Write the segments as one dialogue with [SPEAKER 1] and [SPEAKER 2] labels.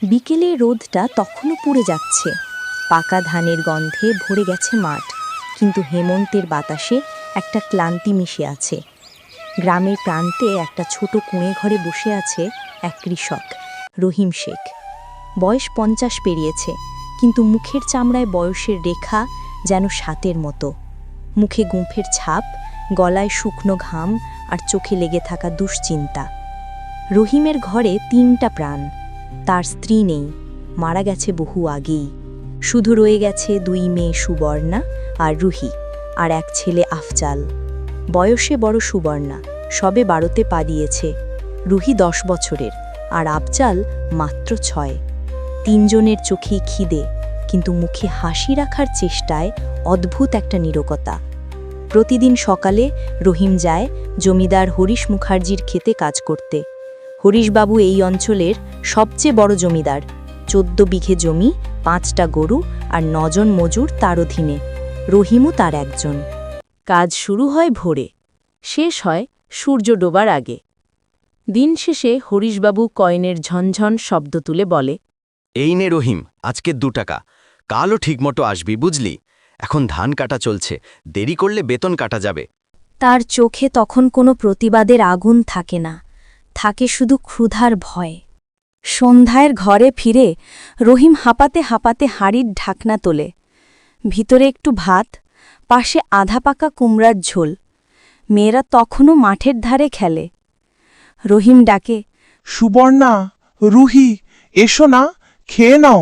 [SPEAKER 1] বিকেলে রোদটা তখনও পুড়ে যাচ্ছে, পাকা ধানের গন্ধে ভরে গেছে মাঠ, কিন্তু হেমন্তের বাতাসে একটা ক্লান্তি মিশে আছে। গ্রামের প্রান্তে একটা ছোট কুঁড়ে ঘরে বসে আছে এক কৃষক, রহিম শেখ। বয়স 50 পেরিয়েছে, কিন্তু মুখের চামড়ায় বয়সের রেখা যেন সাতের মতো। মুখে গুঁফের ছাপ, গলায় শুকনো ঘাম আর চোখে লেগে থাকা দুশ্চিন্তা। রহিমের ঘরে 3টা প্রাণ। তার স্ত্রী নেই, মারা গেছে বহু আগেই। শুধু রয়ে গেছে 2 মেয়ে সুবর্ণা আর রুহি, আর এক ছেলে আফজাল। বয়সে বড় সুবর্ণা, সবে 12তে পা দিয়েছে। রুহি 10 বছরের, আর আফজাল মাত্র 6। 3 জনের চোখেই খিদে, কিন্তু মুখে হাসি রাখার চেষ্টায় অদ্ভুত একটা নীরবতা। প্রতিদিন সকালে রহিম যায় জমিদার হরিশ মুখার্জির ক্ষেতে কাজ করতে। হরিশবাবু এই অঞ্চলের সবচেয়ে বড় জমিদার। 14 বিঘে জমি, 5টা গরু আর 9 জন মজুর তার অধীনে। রহিমও তার একজন। কাজ শুরু হয় ভোরে, শেষ হয় সূর্য ডোবার আগে। দিন শেষে হরিশবাবু কয়েনের ঝনঝন শব্দ তুলে বলে,
[SPEAKER 2] এই নে রহিম, আজকে 2 টাকা। কালও ঠিকমতো আসবি, বুঝলি? এখন ধান কাটা চলছে, দেরি করলে বেতন কাটা যাবে।
[SPEAKER 1] তার চোখে তখন কোনো প্রতিবাদের আগুন থাকে না, থাকে শুধু ক্ষুধার ভয়। সন্ধ্যায় ঘরে ফিরে রহিম হাঁপাতে হাঁপাতে হাঁড়ির ঢাকনা তোলে। ভিতরে একটু ভাত, পাশে আধা পাকা কুমড়ার ঝোল। মেয়েরা তখনও মাঠের ধারে খেলে। রহিম ডাকে,
[SPEAKER 3] সুবর্ণা, রুহি, এসো না, খেয়ে নাও।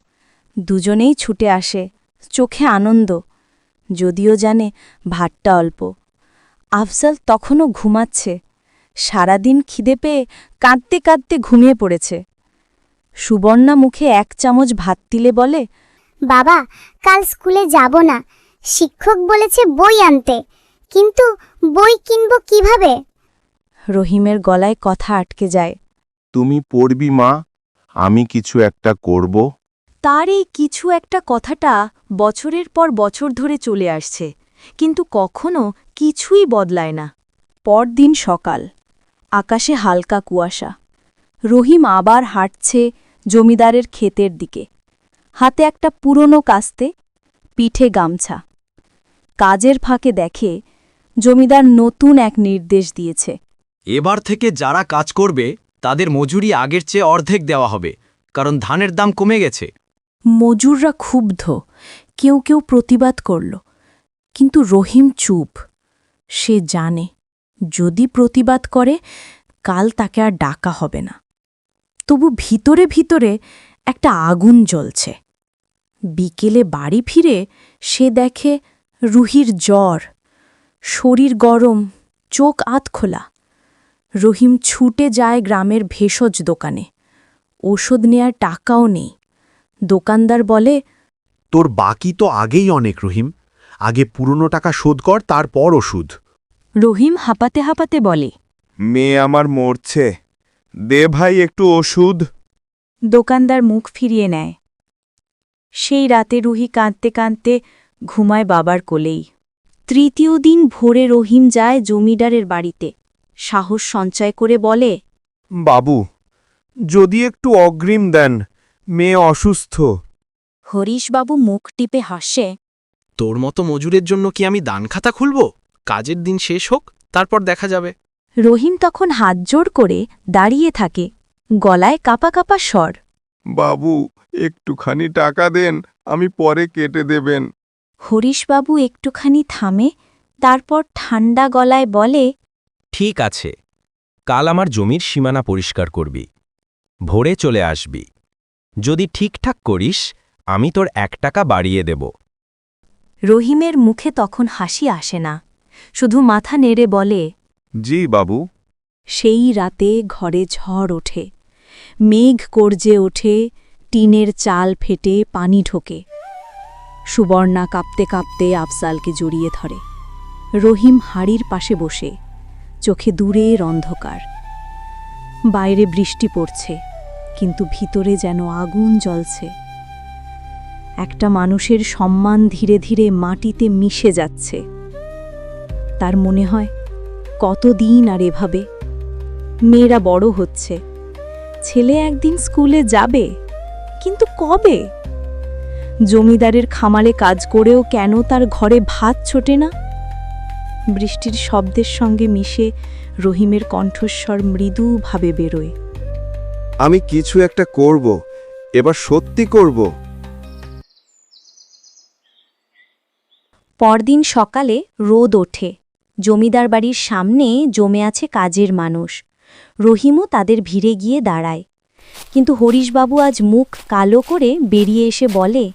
[SPEAKER 1] দুজনেই ছুটে আসে, চোখে আনন্দ, যদিও জানে ভাতটা অল্প। আফজাল তখনও ঘুমাচ্ছে, সারাদিন খিদে পেয়ে কাঁদতে কাঁদতে ঘুমিয়ে পড়েছে। সুবর্ণা মুখে 1 চামচ ভাত দিলে বলে,
[SPEAKER 4] বাবা, কাল স্কুলে যাব না। শিক্ষক বলেছে বই আনতে, কিন্তু বই কিনব কিভাবে?
[SPEAKER 1] রহিমের গলায় কথা আটকে যায়।
[SPEAKER 3] তুমি পড়বি মা, আমি কিছু একটা করব।
[SPEAKER 1] তার এই কিছু একটা কথাটা বছরের পর বছর ধরে চলে আসছে, কিন্তু কখনো কিছুই বদলায় না। পরদিন সকাল, আকাশে হালকা কুয়াশা। রহিম আবার হাঁটছে জমিদারের ক্ষেতের দিকে। হাতে একটা পুরনো কাস্তে, পিঠে গামছা। কাজের ফাঁকে দেখে জমিদার নতুন এক নির্দেশ দিয়েছে।
[SPEAKER 2] এবার থেকে যারা কাজ করবে তাদের মজুরি আগের চেয়ে অর্ধেক দেওয়া হবে, কারণ ধানের দাম কমে গেছে।
[SPEAKER 1] মজুররা ক্ষুব্ধ, কেউ কেউ প্রতিবাদ করল, কিন্তু রহিম চুপ। সে জানে, যদি প্রতিবাদ করে কাল তাকে আর ডাকা হবে না। তবু ভিতরে ভিতরে একটা আগুন জ্বলছে। বিকেলে বাড়ি ফিরে সে দেখে রুহির জ্বর, শরীর গরম, চোখ আধখোলা। রহিম ছুটে যায় গ্রামের ভেষজ দোকানে। ওষুধ নেয়ার টাকাও নেই। দোকানদার বলে,
[SPEAKER 5] তোর বাকি তো আগেই অনেক রহিম, আগে পুরনো টাকা শোধ কর, তারপর ওষুধ।
[SPEAKER 1] রহিম হাঁপাতে হাঁপাতে বলে,
[SPEAKER 3] মেয়ে আমার মরছে, দে ভাই একটু ওষুধ।
[SPEAKER 1] দোকানদার মুখ ফিরিয়ে নেয়। সেই রাতে রুহি কাঁদতে কাঁদতে ঘুমায় বাবার কোলেই। 3য় দিন ভোরে রহিম যায় জমিদারের বাড়িতে। সাহস সঞ্চয় করে বলে,
[SPEAKER 3] বাবু, যদি একটু অগ্রিম দেন, মেয়ে অসুস্থ।
[SPEAKER 1] হরিশবাবু মুখ টিপে হাসে,
[SPEAKER 2] তোর মতো মজুরের জন্য কি আমি দান খাতা খুলব? কাজের দিন শেষ হোক, তারপর দেখা যাবে।
[SPEAKER 1] রহিম তখন হাত জোড় করে দাঁড়িয়ে থাকে, গলায় কাপা কাপা স্বর।
[SPEAKER 3] বাবু, একটুখানি টাকা দেন, আমি পরে কেটে দেবেন।
[SPEAKER 1] হরিশবাবু একটুখানি থামে, তারপর ঠান্ডা গলায় বলে,
[SPEAKER 2] ঠিক আছে, কাল আমার জমির সীমানা পরিষ্কার করবি, ভোরে চলে আসবি। যদি ঠিকঠাক করিস, আমি তোর 1 টাকা বাড়িয়ে দেব।
[SPEAKER 1] রহিমের মুখে তখন হাসি আসে না, শুধু মাথা নেড়ে বলে,
[SPEAKER 3] জি বাবু।
[SPEAKER 1] সেই রাতে ঘরে ঝড় ওঠে, মেঘ গর্জে ওঠে, টিনের চাল ফেটে পানি ঢোকে। সুবর্ণা কাঁপতে কাঁপতে আফজালকে জড়িয়ে ধরে। রহিম হাড়ির পাশে বসে, চোখে দূরের অন্ধকার। বাইরে বৃষ্টি পড়ছে, কিন্তু ভিতরে যেন আগুন জ্বলছে। একটা মানুষের সম্মান ধীরে ধীরে মাটিতে মিশে যাচ্ছে। তার মনে হয়, কতদিন আর এভাবে? মেয়েরা বড় হচ্ছে, ছেলে একদিন স্কুলে যাবে, কিন্তু কবে? জমিদারের খামারে কাজ করেও কেন তার ঘরে ভাত ছোটে না? বৃষ্টির শব্দের সঙ্গে মিশে রহিমের কণ্ঠস্বর মৃদুভাবে বেরোয়।
[SPEAKER 3] আমি কিছু একটা করব, এবার সত্যি করব।
[SPEAKER 1] পরদিন সকালে রোদ ওঠে। জমিদার বাড়ির সামনে জমে আছে কাজের মানুষ। রহিমও তাদের ভিড়ে গিয়ে দাঁড়ায়। কিন্তু হরিশবাবু আজ মুখ কালো করে বেরিয়ে এসে বলে,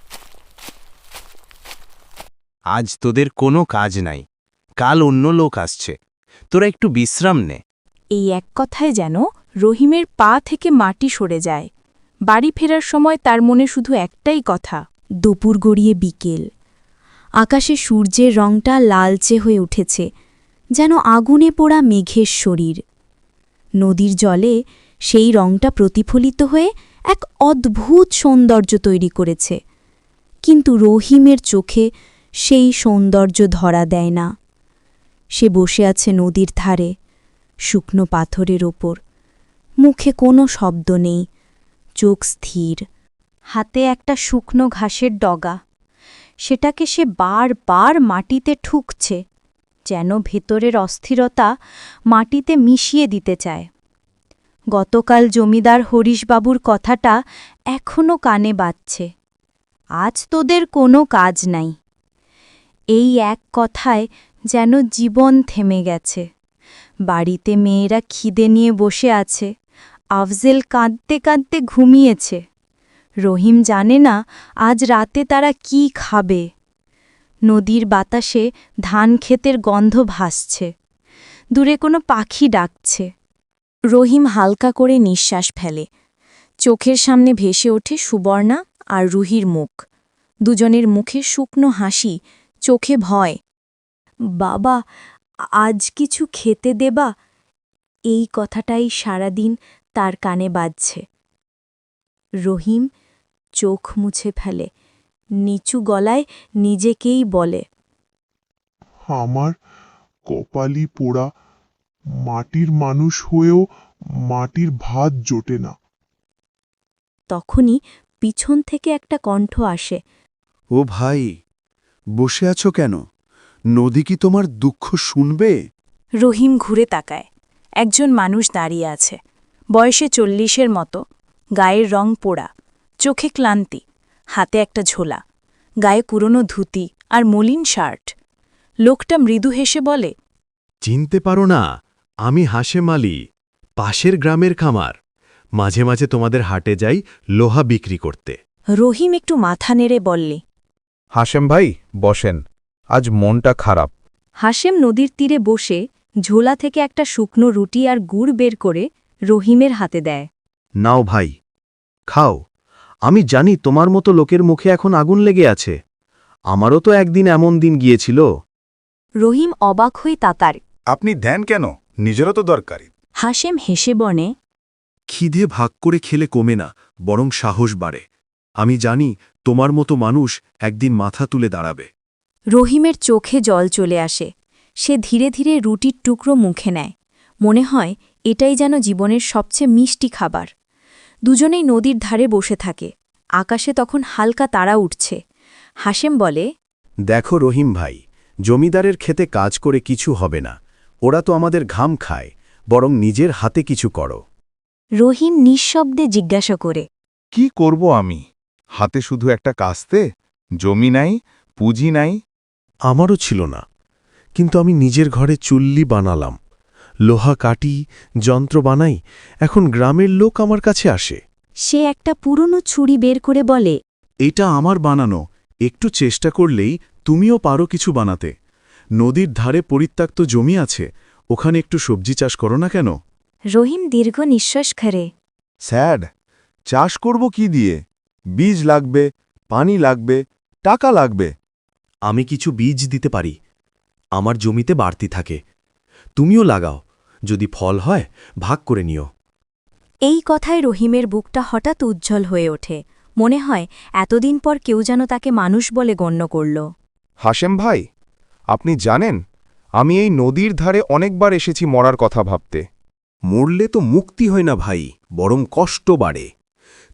[SPEAKER 2] আজ তোদের কোনো কাজ নাই, কাল অন্য লোক আসছে, তোরা একটু বিশ্রাম নে।
[SPEAKER 6] এই এক কথায় যেন রহিমের পা থেকে মাটি সরে যায়। বাড়ি ফেরার সময় তার মনে শুধু একটাই কথা।
[SPEAKER 1] দুপুর গড়িয়ে বিকেল। আকাশে সূর্যের রংটা লালচে হয়ে উঠেছে, যেন আগুনে পোড়া মেঘের শরীর। নদীর জলে সেই রংটা প্রতিফলিত হয়ে এক অদ্ভুত সৌন্দর্য তৈরি করেছে। কিন্তু রহিমের চোখে সেই সৌন্দর্য ধরা দেয় না। সে বসে আছে নদীর ধারে, শুকনো পাথরের ওপর। মুখে কোনো শব্দ নেই, চোখ স্থির। হাতে একটা শুকনো ঘাসের ডগা। সেটাকে সে বারবার মাটিতে ঠুকছে, যেন ভেতরের অস্থিরতা মাটিতে মিশিয়ে দিতে চায়। গতকাল জমিদার হরিশবাবুর কথাটা এখনো কানে বাজছে। আজ তোদের কোনো কাজ নাই। এই এক কথায় যেন জীবন থেমে গেছে। বাড়িতে মেয়েরা খিদে নিয়ে বসে আছে, আফজেল কাঁদতে কাঁদতে ঘুমিয়েছে। রহিম জানে না আজ রাতে তারা কি খাবে। নদীর বাতাসে ধান ক্ষেতের গন্ধ ভাসছে, দূরে কোনো পাখি ডাকছে। রহিম হালকা করে নিঃশ্বাস ফেলে। চোখের সামনে ভেসে ওঠে সুবর্ণা আর রুহির মুখ। দুজনের মুখে শুকনো হাসি, চোখে ভয়। বাবা, আজ কিছু খেতে দেবা? এই কথাটাই সারাদিন তার কানে বাজছে। রহিম চোখ মুছে ফেলে, নিচু গলায় নিজেকেই বলে,
[SPEAKER 7] আমার কপালি পোড়া, মাটির মানুষ হয়েও মাটির ভাত জোটে না।
[SPEAKER 1] তখনই পিছন থেকে একটা কণ্ঠ আসে।
[SPEAKER 5] ও ভাই, বসে আছো কেন? নদী কি তোমার দুঃখ শুনবে?
[SPEAKER 6] রহিম ঘুরে তাকায়। একজন মানুষ দাঁড়িয়ে আছে, বয়সে 40-এর মতো, গায়ের রং পোড়া, চোখে ক্লান্তি, হাতে একটা ঝোলা, গায়ে পুরনো ধুতি আর মলিন শার্ট। লোকটা মৃদু হেসে বলে,
[SPEAKER 5] চিনতে পারো না? আমি হাশেম আলী, পাশের গ্রামের খামার। মাঝে মাঝে তোমাদের হাটে যাই লোহা বিক্রি করতে।
[SPEAKER 1] রহিম একটু মাথা নেড়ে বললে।
[SPEAKER 3] হাশেম ভাই, বসেন, আজ মনটা খারাপ।
[SPEAKER 1] হাশেম নদীর তীরে বসে ঝোলা থেকে একটা শুকনো রুটি আর গুড় বের করে রহিমের হাতে দেয়।
[SPEAKER 5] নাও ভাই, খাও। আমি জানি তোমার মতো লোকের মুখে এখন আগুন লেগে আছে। আমারও তো একদিন এমন দিন গিয়েছিল।
[SPEAKER 1] রহিম অবাক হয়ে তাকার।
[SPEAKER 3] আপনি দেন কেন? নিজেরও তো দরকারি।
[SPEAKER 1] হাশেম হেসে বনে,
[SPEAKER 5] খিদে ভাগ করে খেলে কমে না, বরং সাহস বাড়ে। আমি জানি তোমার মতো মানুষ একদিন মাথা তুলে দাঁড়াবে।
[SPEAKER 1] রহিমের চোখে জল চলে আসে। সে ধীরে ধীরে রুটির টুকরো মুখে নেয়। মনে হয় এটাই যেন জীবনের সবচেয়ে মিষ্টি খাবার। দুজনেই নদীর ধারে বসে থাকে। আকাশে তখন হালকা তারা উঠছে। হাশেম বলে,
[SPEAKER 5] দেখো রহিম ভাই, জমিদারের খেতে কাজ করে কিছু হবে না। ওরা তো আমাদের ঘাম খায়, বরং নিজের হাতে কিছু করো।
[SPEAKER 1] রহিম নিঃশব্দে জিজ্ঞাসা করে,
[SPEAKER 3] কি করব আমি? হাতে শুধু একটা কাস্তে, জমি নাই, পুঁজি নাই।
[SPEAKER 5] আমারও ছিল না, কিন্তু আমি নিজের ঘরে চুল্লি বানালাম, লোহা কাটি, যন্ত্র বানাই। এখন গ্রামের লোক আমার কাছে আসে।
[SPEAKER 1] সে একটা পুরনো ছুরি বের করে বলে,
[SPEAKER 5] এটা আমার বানানো, একটু চেষ্টা করলেই তুমিও পারো কিছু বানাতে। নদীর ধারে পরিত্যক্ত জমি আছে, ওখানে একটু সবজি চাষ করো না কেন?
[SPEAKER 1] রহিম দীর্ঘ নিঃশ্বাস খারে।
[SPEAKER 3] স্যাড, চাষ করব কি দিয়ে? বীজ লাগবে, পানি লাগবে, টাকা লাগবে।
[SPEAKER 5] আমি কিছু বীজ দিতে পারি, আমার জমিতে বাড়তি থাকে। তুমিও লাগাও, যদি ফল হয় ভাগ করে নিও।
[SPEAKER 1] এই কথায় রহিমের বুকটা হঠাৎ উজ্জ্বল হয়ে ওঠে। মনে হয় এতদিন পর কেউ যেন তাকে মানুষ বলে গণ্য করল।
[SPEAKER 3] হাশেম ভাই, আপনি জানেন, আমি এই নদীর ধারে অনেকবার এসেছি মরার কথা ভাবতে।
[SPEAKER 5] মরলে তো মুক্তি হয় না ভাই, বরং কষ্ট বাড়ে।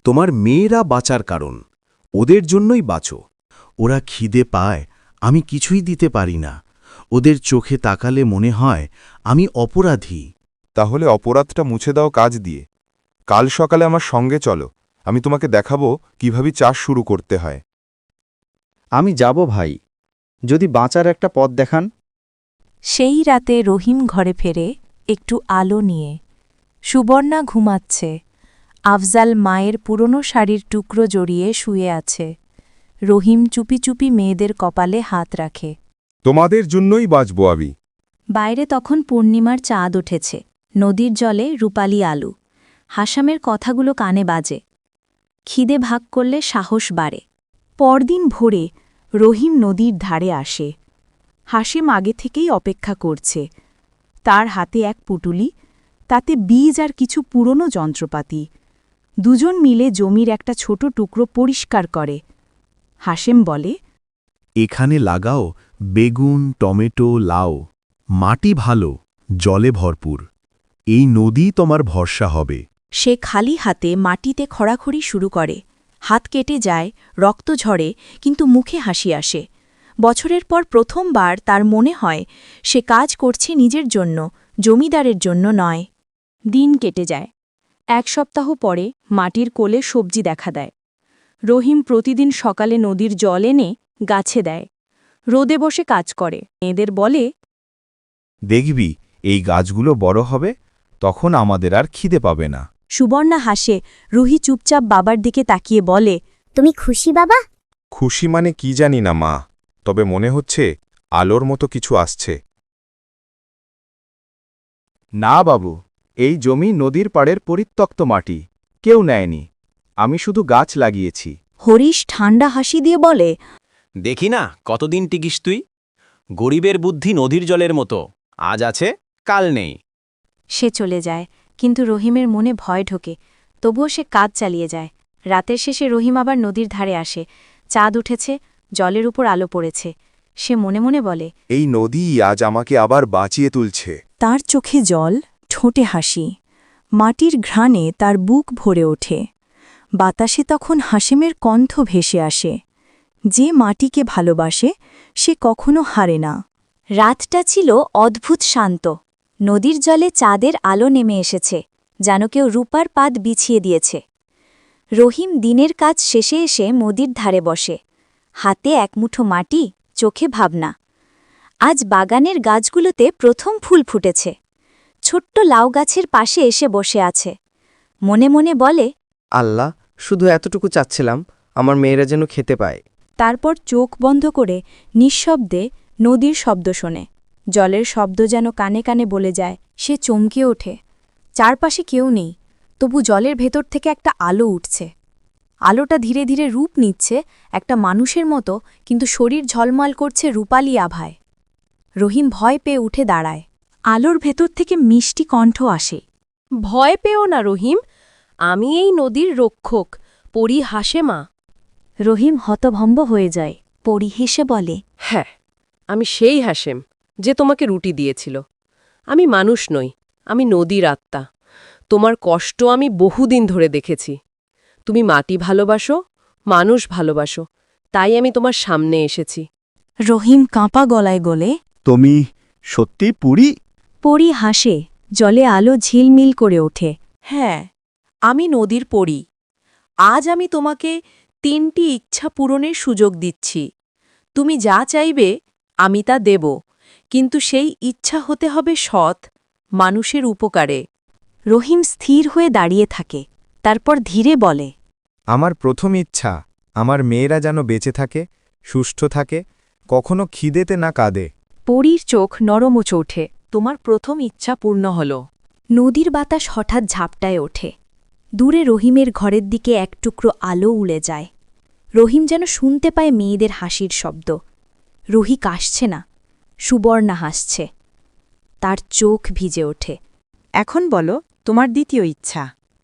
[SPEAKER 5] তোমার মেয়েরা বাঁচার কারণ, ওদের জন্যই বাঁচো। ওরা খিদে পায়, আমি কিছুই দিতে পারি না। ওদের চোখে তাকালে মনে হয় আমি অপরাধী।
[SPEAKER 3] তাহলে অপরাধটা মুছে দাও কাজ দিয়ে। কাল সকালে আমার সঙ্গে চলো, আমি তোমাকে দেখাবো কিভাবে চাষ শুরু করতে হয়।
[SPEAKER 8] আমি যাব ভাই, যদি বাঁচার একটা পথ দেখান।
[SPEAKER 6] সেই রাতে রহিম ঘরে ফেরে একটু আলো নিয়ে। সুবর্ণা ঘুমাচ্ছে। আফজাল মায়ের পুরনো শাড়ির টুকরো জড়িয়ে শুয়ে আছে। রহিম চুপি চুপি মেয়েদের কপালে হাত রাখে।
[SPEAKER 3] তোমাদের জন্যই বাঁচবো আমি।
[SPEAKER 1] বাইরে তখন পূর্ণিমার চাঁদ উঠেছে, নদীর জলে রূপালি আলু। হাসামের কথাগুলো কানে বাজে। খিদে ভাগ করলে সাহস বাড়ে। পরদিন ভোরে রহিম নদীর ধারে আসে। হাসেম আগে থেকেই অপেক্ষা করছে। তার হাতে এক পুটুলি, তাতে বীজ আর কিছু পুরনো যন্ত্রপাতি। দুজন মিলে জমির একটা ছোট টুকরো পরিষ্কার করে। হাসেম বলে,
[SPEAKER 5] এখানে লাগাও বেগুন, টমেটো, লাউ। মাটি ভালো, জলে ভরপুর। এই নদী তোমার ভরসা হবে।
[SPEAKER 1] সে খালি হাতে মাটিতে খড়াখড়ি শুরু করে। হাত কেটে যায়, রক্ত ঝরে, কিন্তু মুখে হাসি আসে। বছরের পর প্রথমবার তার মনে হয় সে কাজ করছে নিজের জন্য, জমিদারের জন্য নয়। দিন কেটে যায়। এক সপ্তাহ পরে মাটির কোলে সবজি দেখা দেয়। রহিম প্রতিদিন সকালে নদীর জল এনে গাছে দেয়। রোদে বসে কাজ করে। মেয়েদের বলে,
[SPEAKER 3] দেখবি এই গাছগুলো বড় হবে, তখন আমাদের আর খিদে পাবে না।
[SPEAKER 1] সুবর্ণা হাসে। রুহি চুপচাপ বাবার দিকে তাকিয়ে বলে,
[SPEAKER 4] তুমি খুশি বাবা?
[SPEAKER 3] খুশি মানে কি জানি না মা, তবে মনে হচ্ছে আলোর মতো কিছু আসছে।
[SPEAKER 8] না বাবু, এই জমি নদীর পাড়ের পরিত্যক্ত মাটি, কেউ নেয়নি। আমি শুধু গাছ লাগিয়েছি।
[SPEAKER 1] হরিশ ঠান্ডা হাসি দিয়ে বলে,
[SPEAKER 2] দেখি না কতদিন টিকিস তুই। গরিবের বুদ্ধি নদীর জলের মতো, আজ আছে কাল নেই।
[SPEAKER 1] সে চলে যায়, কিন্তু রহিমের মনে ভয় ঢোকে। তবুও সে কাজ চালিয়ে যায়। রাতের শেষে রহিম আবার নদীর ধারে আসে। চাঁদ উঠেছে, জলের উপর আলো পড়েছে। সে মনে মনে বলে,
[SPEAKER 3] এই নদী আজ আমাকে আবার বাঁচিয়ে তুলছে।
[SPEAKER 6] তার চোখে জল, ঠোঁটে হাসি। মাটির ঘ্রাণে তার বুক ভরে ওঠে। বাতাসে তখন হাসেমের কণ্ঠ ভেসে আসে। যে মাটিকে ভালোবাসে সে কখনো হারে না।
[SPEAKER 1] রাতটা ছিল অদ্ভুত শান্ত। নদীর জলে চাঁদের আলো নেমে এসেছে, যেন কেউ রূপার পাত বিছিয়ে দিয়েছে। রহিম দিনের কাজ শেষে এসে নদীর ধারে বসে। হাতে এক মুঠো মাটি, চোখে ভাবনা। আজ বাগানের গাছগুলোতে প্রথম ফুল ফুটেছে। ছোট্ট লাউ গাছের পাশে এসে বসে আছে। মনে মনে বলে,
[SPEAKER 9] আল্লাহ, শুধু এতটুকু চাচ্ছিলাম, আমার মেয়েরা যেন খেতে পায়।
[SPEAKER 6] তারপর চোখ বন্ধ করে নিঃশব্দে নদীর শব্দ শোনে। জলের শব্দ যেন কানে কানে বলে যায়। সে চমকে ওঠে। চারপাশে কেউ নেই, তবু জলের ভেতর থেকে একটা আলো উঠছে। আলোটা ধীরে ধীরে রূপ নিচ্ছে একটা মানুষের মতো, কিন্তু শরীর ঝলমল করছে রূপালি আভায়। রহিম ভয় পেয়ে উঠে দাঁড়ায়। আলোর ভেতর থেকে মিষ্টি কণ্ঠ আসে,
[SPEAKER 10] ভয় পেও না রহিম, আমি এই নদীর রক্ষক, পরি হাসেমা।
[SPEAKER 1] রহিম হতভম্ব হয়ে যায়। পরি হেসে বলে,
[SPEAKER 10] হ্যাঁ, আমি সেই হাসেম যে তোমাকে রুটি দিয়েছিল। আমি মানুষ নই, আমি নদীর আত্মা। তোমার কষ্ট আমি বহুদিন ধরে দেখেছি। তুমি মাটি ভালোবাসো, মানুষ ভালোবাসো, তাই আমি তোমার সামনে এসেছি।
[SPEAKER 6] রহিম কাঁপা গলায় বলে,
[SPEAKER 5] তুমি সত্যি পুরি?
[SPEAKER 1] পরি হাসে। জলে আলো ঝিলমিল করে ওঠে।
[SPEAKER 10] হ্যাঁ, আমি নদীর পরি। আজ আমি তোমাকে 3টি ইচ্ছা পূরণের সুযোগ দিচ্ছি। তুমি যা চাইবে আমি তা দেব, কিন্তু সেই ইচ্ছা হতে হবে সৎ, মানুষের উপকারে।
[SPEAKER 1] রহিম স্থির হয়ে দাঁড়িয়ে থাকে। তারপর ধীরে বলে,
[SPEAKER 3] আমার প্রথম ইচ্ছা, আমার মেয়েরা যেন বেঁচে থাকে, সুস্থ থাকে, কখনো খিদেতে না কাঁদে।
[SPEAKER 1] পরীর চোখ নরমোচ ওঠে।
[SPEAKER 10] তোমার প্রথম ইচ্ছা পূর্ণ হল।
[SPEAKER 1] নদীর বাতাস হঠাৎ ঝাপটায় ওঠে। দূরে রহিমের ঘরের দিকে এক টুকরো আলো উড়ে যায়। রহিম যেন শুনতে পায় মেয়েদের হাসির শব্দ। রুহি কাশছে না, সুবর্ণা হাসছে। তার চোখ ভিজে ওঠে।
[SPEAKER 6] এখন বলো তোমার দ্বিতীয় ইচ্ছা।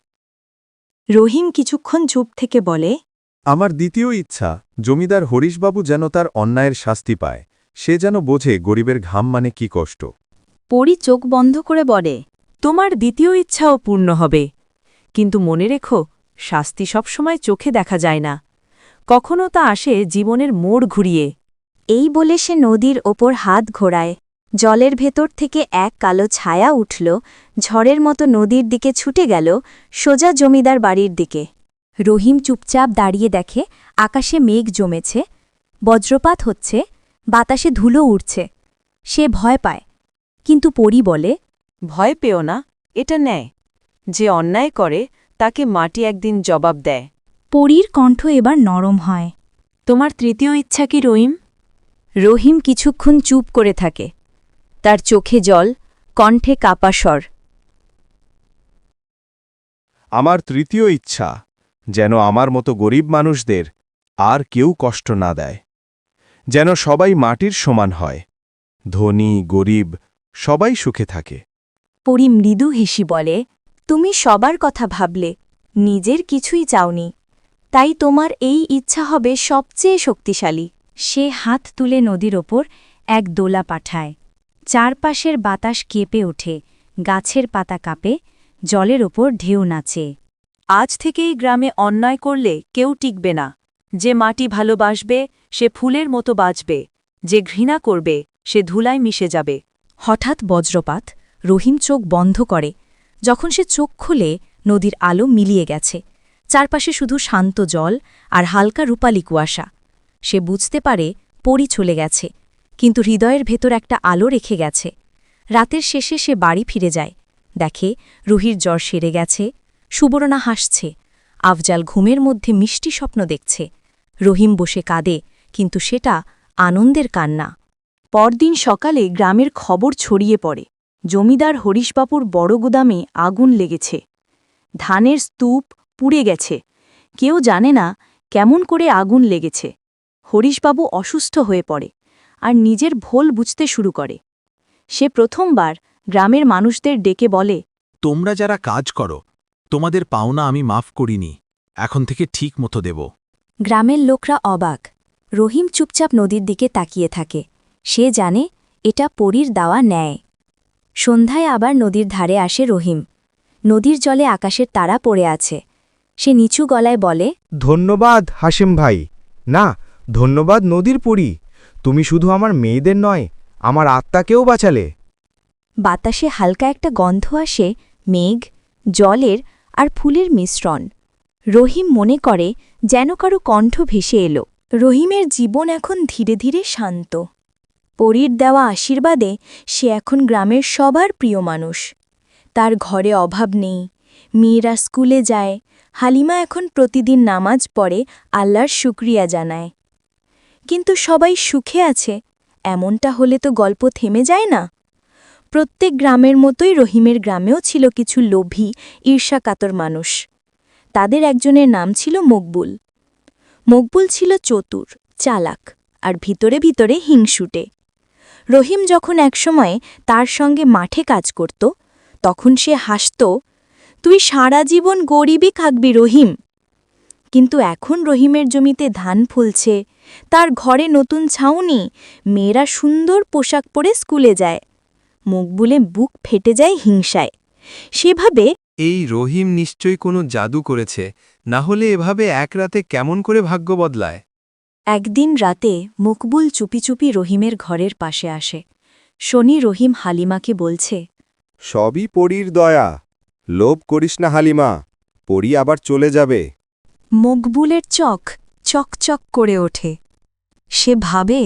[SPEAKER 1] রহিম কিছুক্ষণ চুপ থেকে বলে,
[SPEAKER 3] আমার দ্বিতীয় ইচ্ছা, জমিদার হরিশবাবু যেন তার অন্যায়ের শাস্তি পায়। সে যেন বোঝে গরিবের ঘাম মানে কি কষ্ট।
[SPEAKER 1] পরি চোখ বন্ধ করে বলে,
[SPEAKER 10] তোমার দ্বিতীয় ইচ্ছাও পূর্ণ হবে, কিন্তু মনে রেখো
[SPEAKER 6] শাস্তি সবসময় চোখে দেখা যায় না, কখনো তা আসে জীবনের মোড় ঘুরিয়ে।
[SPEAKER 1] এই বলে সে নদীর ওপর হাত ঘোরায়। জলের ভেতর থেকে এক কালো ছায়া উঠল, ঝড়ের মতো নদীর দিকে ছুটে গেল, সোজা জমিদার বাড়ির দিকে। রহিম চুপচাপ দাঁড়িয়ে দেখে আকাশে মেঘ জমেছে, বজ্রপাত হচ্ছে, বাতাসে ধুলো উড়ছে। সে ভয় পায়, কিন্তু পরী বলে,
[SPEAKER 6] ভয় পেও না, এটা ন্যায়। যে অন্যায় করে তাকে মাটি একদিন জবাব দেয়।
[SPEAKER 1] পরীর কণ্ঠ এবার নরম হয়।
[SPEAKER 6] তোমার তৃতীয় ইচ্ছা কি রহিম?
[SPEAKER 1] রহিম কিছুক্ষণ চুপ করে থাকে, তার চোখে জল, কণ্ঠে কাপা স্বর।
[SPEAKER 8] আমার তৃতীয় ইচ্ছা, যেন আমার মতো গরিব মানুষদের আর কেউ কষ্ট না দেয়, যেন সবাই মাটির সমান হয়, ধনী গরিব সবাই সুখে থাকে।
[SPEAKER 1] পরী মৃদু হেসি বলে, তুমি সবার কথা ভাবলে, নিজের কিছুই চাওনি, তাই তোমার এই ইচ্ছা হবে সবচেয়ে শক্তিশালী। সে হাত তুলে নদীর ওপর এক দোলা পাঠায়। চারপাশের বাতাস কেঁপে ওঠে, গাছের পাতা কাঁপে, জলের ওপর ঢেউ নাচে।
[SPEAKER 6] আজ থেকেই গ্রামে অন্যায় করলে কেউ টিকবে না। যে মাটি ভালোবাসবে সে ফুলের মতো বাঁচবে, যে ঘৃণা করবে সে ধুলায় মিশে যাবে।
[SPEAKER 1] হঠাৎ বজ্রপাত, রহিম চোখ বন্ধ করে। যখন সে চোখ খুলে, নদীর আলো মিলিয়ে গেছে, চারপাশে শুধু শান্ত জল আর হালকা রূপালি কুয়াশা। সে বুঝতে পারে পরী চলে গেছে, কিন্তু হৃদয়ের ভেতর একটা আলো রেখে গেছে। রাতের শেষে সে বাড়ি ফিরে যায়, দেখে রুহির জ্বর সেরে গেছে, সুবর্ণা হাসছে, আফজাল ঘুমের মধ্যে মিষ্টি স্বপ্ন দেখছে। রহিম বসে কাঁদে, কিন্তু সেটা আনন্দের কান্না।
[SPEAKER 6] পরদিন সকালে গ্রামের খবর ছড়িয়ে পড়ে, জমিদার হরিশবাবুর বড় গুদামে আগুন লেগেছে, ধানের স্তূপ পুড়ে গেছে। কেউ জানে না কেমন করে আগুন লেগেছে। হরিশবাবু অসুস্থ হয়ে পড়ে আর নিজের ভুল বুঝতে শুরু করে। সে প্রথমবার গ্রামের মানুষদের ডেকে বলে,
[SPEAKER 5] তোমরা যারা কাজ করো, তোমাদের পাওনা আমি মাফ করিনি, এখন থেকে ঠিক মতো দেব।
[SPEAKER 1] গ্রামের লোকরা অবাক। রহিম চুপচাপ নদীর দিকে তাকিয়ে থাকে। সে জানে এটা পরীর দেওয়া ন্যায়। সন্ধ্যায় আবার নদীর ধারে আসে রহিম। নদীর জলে আকাশের তারা পড়ে আছে। সে নিচু গলায় বলে,
[SPEAKER 8] ধন্যবাদ হাসিম ভাই। না, ধন্যবাদ নদীর পরী, তুমি শুধু আমার মেয়েদের নয়, আমার আত্মাকেও বাঁচালে।
[SPEAKER 1] বাতাসে হালকা একটা গন্ধ আসে, মেঘ, জলের আর ফুলের মিশ্রণ। রহিম মনে করে যেন কারো কণ্ঠ ভেসে এলো। রহিমের জীবন এখন ধীরে ধীরে শান্ত। পরীর দেওয়া আশীর্বাদে সে এখন গ্রামের সবার প্রিয় মানুষ। তার ঘরে অভাব নেই, মেয়েরা স্কুলে যায়, হালিমা এখন প্রতিদিন নামাজ পড়ে আল্লাহর শুকরিয়া জানায়। কিন্তু সবাই সুখে আছে, এমনটা হলে তো গল্প থেমে যায় না। প্রত্যেক গ্রামের মতোই রহিমের গ্রামেও ছিল কিছু লোভী, ঈর্ষাকাতর মানুষ। তাদের একজনের নাম ছিল মকবুল। মকবুল ছিল চতুর, চালাক আর ভিতরে ভিতরে হিংসুটে। রহিম যখন একসময় তার সঙ্গে মাঠে কাজ করত, তখন সে হাসত, তুই সারা জীবন গরিবই থাকবি রহিম। কিন্তু এখন রহিমের জমিতে ধান ফলছে, তার ঘরে নতুন ছাউনি, মেয়েরা সুন্দর পোশাক পরে স্কুলে যায়। মকবুলে বুক ফেটে যায় হিংসায়। সেভাবে
[SPEAKER 8] এই রহিম নিশ্চয়ই কোনো জাদু করেছে, না হলে এভাবে এক রাতে কেমন করে ভাগ্য বদলায়?
[SPEAKER 1] একদিন রাতে মকবুল চুপি চুপি রহিমের ঘরের পাশে আসে। শনি রহিম হালিমাকে বলছে,
[SPEAKER 3] সবই পরীর দয়া, লোভ করিস না হালিমা, পরী আবার চলে যাবে।
[SPEAKER 1] মকবুলের চোখ চকচক করে ওঠে। সে ভাবে,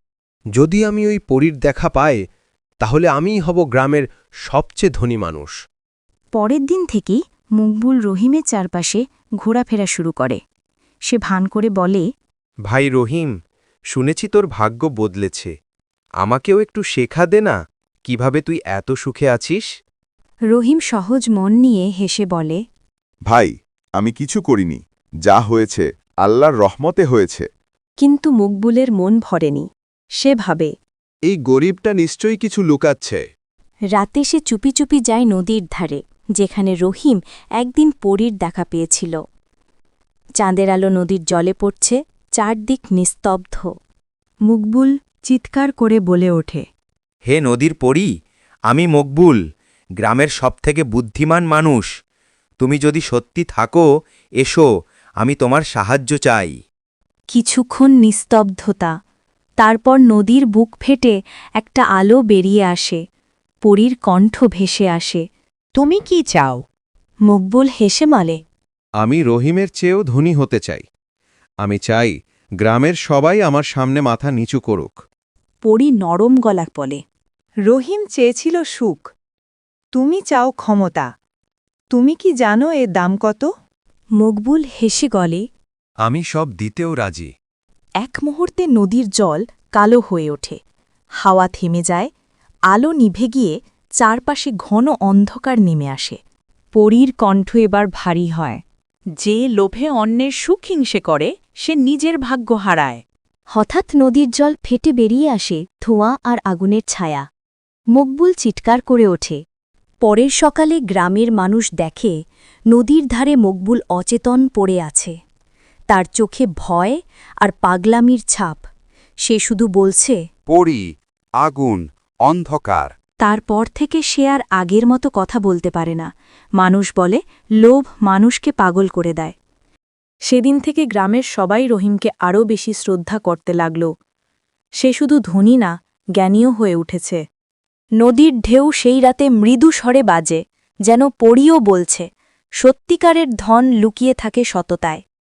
[SPEAKER 2] যদি আমি ওই পরীর দেখা পাই, তাহলে আমিই হব গ্রামের সবচেয়ে ধনী মানুষ।
[SPEAKER 1] পরের দিন থেকেই মকবুল রহিমের চারপাশে ঘোরাফেরা শুরু করে। সে ভান করে বলে,
[SPEAKER 2] ভাই রহিম, শুনেছি তোর ভাগ্য বদলেছে, আমাকেও একটু শেখা দে না, কিভাবে তুই এত সুখে আছিস।
[SPEAKER 1] রহিম সহজ মন নিয়ে হেসে বলে,
[SPEAKER 3] ভাই, আমি কিছু করিনি, যা হয়েছে আল্লাহর রহমতে হয়েছে।
[SPEAKER 6] কিন্তু মকবুলের মন ভরেনি। সে ভাবে,
[SPEAKER 8] এই গরিবটা নিশ্চয়ই কিছু লুকাচ্ছে।
[SPEAKER 1] রাতে সে চুপি চুপি যায় নদীর ধারে, যেখানে রহিম একদিন পরীর দেখা পেয়েছিল। চাঁদের আলো নদীর জলে পড়ছে, চারদিক নিস্তব্ধ। মকবুল চিৎকার করে বলে ওঠে,
[SPEAKER 2] হে নদীর পরী, আমি মকবুল, গ্রামের সবথেকে বুদ্ধিমান মানুষ। তুমি যদি সত্যি থাকো এসো, আমি তোমার সাহায্য চাই।
[SPEAKER 6] কিছুক্ষণ নিস্তব্ধতা, তারপর নদীর বুক ফেটে একটা আলো বেরিয়ে আসে, পরীর কণ্ঠ ভেসে আসে।
[SPEAKER 1] তুমি কি চাও?
[SPEAKER 6] মকবুল হেসে বলে,
[SPEAKER 8] আমি রহিমের চেয়েও ধনী হতে চাই। আমি চাই গ্রামের সবাই আমার সামনে মাথা নিচু করুক।
[SPEAKER 6] পরী নরম গলা বলে,
[SPEAKER 1] রহিম চেয়েছিল সুখ, তুমি চাও ক্ষমতা। তুমি কি জানো এর দাম কত?
[SPEAKER 6] মকবুল হেসে গলে,
[SPEAKER 2] আমি সব দিতেও রাজি।
[SPEAKER 6] এক মুহূর্তে নদীর জল কালো হয়ে ওঠে, হাওয়া থেমে যায়, আলো নিভে গিয়ে চারপাশে ঘন অন্ধকার নেমে আসে। পরীর কণ্ঠ এবার ভারী হয়, যে লোভে অন্যের সুখ হিংসে করে সে নিজের ভাগ্য হারায়। হঠাৎ নদীর জল ফেটে বেরিয়ে আসে ধোঁয়া আর আগুনের ছায়া। মকবুল চিৎকার করে ওঠে। পরের সকালে গ্রামের মানুষ দেখে নদীর ধারে মকবুল অচেতন পড়ে আছে, তার চোখে ভয় আর পাগলামির ছাপ। সে শুধু বলছে,
[SPEAKER 3] পড়ি, আগুন, অন্ধকার।
[SPEAKER 6] তারপর থেকে সে আর আগের মতো কথা বলতে পারে না। মানুষ বলে লোভ মানুষকে পাগল করে দেয়। সেদিন থেকে গ্রামের সবাই রহিমকে আরও বেশি শ্রদ্ধা করতে লাগল। সে শুধু ধনী না, জ্ঞানীও হয়ে উঠেছে। নদীর ঢেউ সেই রাতে মৃদু স্বরে বাজে, যেন পরীও বলছে, সত্যিকারের ধন লুকিয়ে থাকে সততায়।